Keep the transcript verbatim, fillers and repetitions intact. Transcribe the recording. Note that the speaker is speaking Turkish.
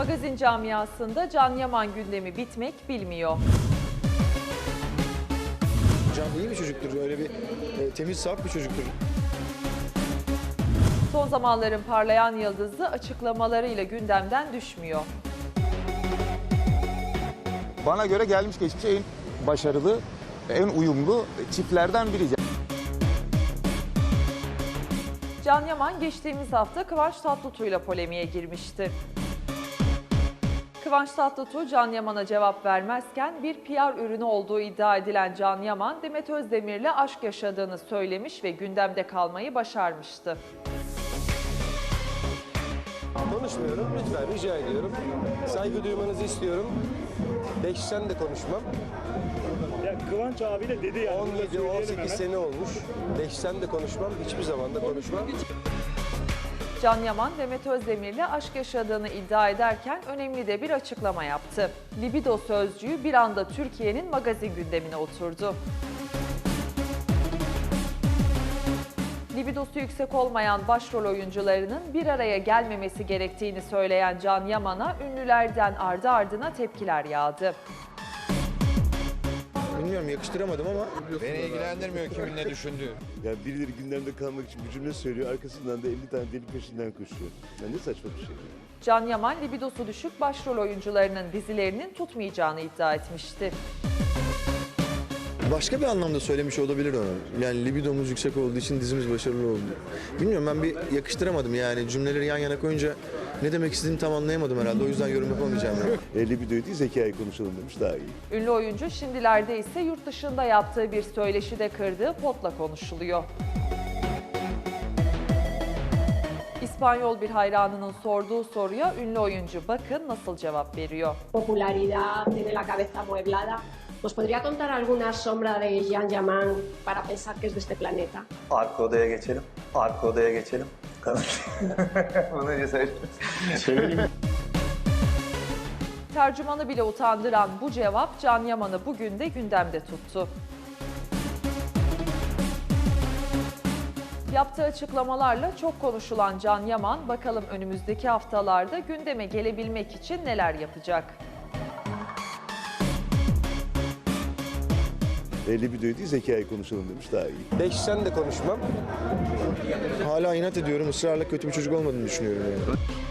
Magazin camiasında Can Yaman gündemi bitmek bilmiyor. Can iyi bir çocuktur, öyle bir e, temiz, saf bir çocuktur. Son zamanların parlayan yıldızı açıklamalarıyla gündemden düşmüyor. Bana göre gelmiş geçmiş en başarılı, en uyumlu çiftlerden biri. Can Yaman geçtiğimiz hafta Kıvanç Tatlıtuğ'yla polemiğe girmişti. Kıvanç Tatlıtuğ Can Yaman'a cevap vermezken bir P R ürünü olduğu iddia edilen Can Yaman, Demet Özdemir'le aşk yaşadığını söylemiş ve gündemde kalmayı başarmıştı. Konuşmuyorum, lütfen rica ediyorum. Saygı duymanızı istiyorum. Beşten de konuşmam. Ya Kıvanç abi de dedi yani. on yedi on sekiz sene olmuş. Beşten de konuşmam, hiçbir zaman da konuşmam. Can Yaman, Demet Özdemir'le aşk yaşadığını iddia ederken önemli de bir açıklama yaptı. Libido sözcüğü bir anda Türkiye'nin magazin gündemine oturdu. Libidosu yüksek olmayan başrol oyuncularının bir araya gelmemesi gerektiğini söyleyen Can Yaman'a ünlülerden ardı ardına tepkiler yağdı. Bilmiyorum, yakıştıramadım ama Beni ilgilendirmiyor kimin ne düşündüğü. Yani birileri gündemde kalmak için bir cümle söylüyor, arkasından da elli tane deli peşinden koşuyor. Yani ne saçma bir şey. Can Yaman, libidosu düşük başrol oyuncularının dizilerinin tutmayacağını iddia etmişti. başka bir anlamda söylemiş olabilir onu. Yani libidomuz yüksek olduğu için dizimiz başarılı oldu. Bilmiyorum, ben bir yakıştıramadım yani cümleleri yan yana koyunca ne demek istediğimi tam anlayamadım herhalde. O yüzden yorum yapamayacağım. Yani. E, libidoyu değil, zekayı konuşalım demiş, daha iyi. Ünlü oyuncu şimdilerde ise yurt dışında yaptığı bir söyleşide kırdığı potla konuşuluyor. İspanyol bir hayranının sorduğu soruya ünlü oyuncu bakın nasıl cevap veriyor. Popularidad, tiene la cabeza amueblada. ¿Nos podría contar alguna sombra de Can Yaman para pensar que es de este planeta? Arka odaya geçelim. Arka odaya geçelim. Bunu önce söyle. Tercümanı bile utandıran bu cevap Can Yaman'ı bugün de gündemde tuttu. Yaptığı açıklamalarla çok konuşulan Can Yaman, bakalım önümüzdeki haftalarda gündeme gelebilmek için neler yapacak? E, libidoyu değil, zekayı konuşalım demiş, daha iyi. Beşten de konuşmam. Hala inat ediyorum, ısrarla kötü bir çocuk olmadığını düşünüyorum yani.